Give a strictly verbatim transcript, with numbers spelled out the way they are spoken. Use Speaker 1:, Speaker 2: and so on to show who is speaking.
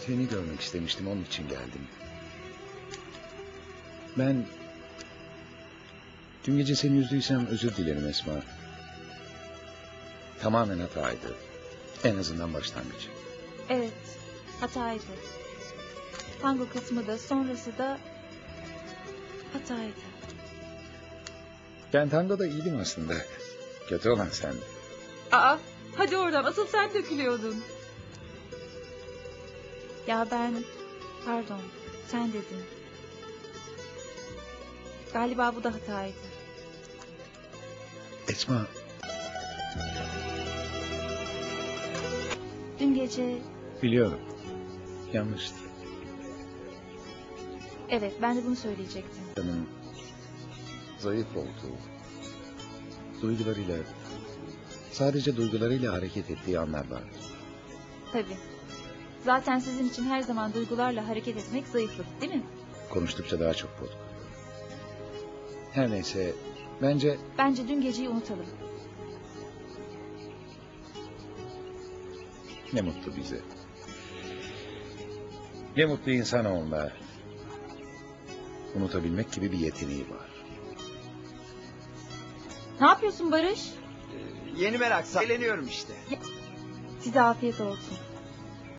Speaker 1: Seni görmek istemiştim, onun için geldim. Ben... Dün gece seni üzdüysem özür dilerim Esma. Tamamen hataydı. En azından başlangıç.
Speaker 2: Evet, hataydı. Tango kısmı da sonrası da hataydı.
Speaker 1: Ben tangoda iyiydim aslında. Kötü olan sen.
Speaker 2: Aa, hadi oradan, asıl sen dökülüyordun. Ya ben, pardon, sen dedin. Galiba bu da hataydı.
Speaker 1: Esma,
Speaker 2: Dün gece,
Speaker 1: biliyorum. Yanlıştı.
Speaker 2: evet ben de bunu söyleyecektim.
Speaker 1: Canım zayıf oldu. Duygularıyla, sadece duygularıyla hareket ettiği anlar var.
Speaker 2: Tabii. Zaten sizin için her zaman duygularla hareket etmek zayıflık, değil mi?
Speaker 1: Konuştukça daha çok bozuk. Her neyse, bence...
Speaker 2: Bence dün geceyi unutalım.
Speaker 1: Ne mutlu bize. Ne mutlu insanoğluna. Unutabilmek gibi bir yeteneği var.
Speaker 2: Ne yapıyorsun Barış?
Speaker 3: Ee, yeni merak, eğleniyorum işte.
Speaker 2: Size afiyet olsun.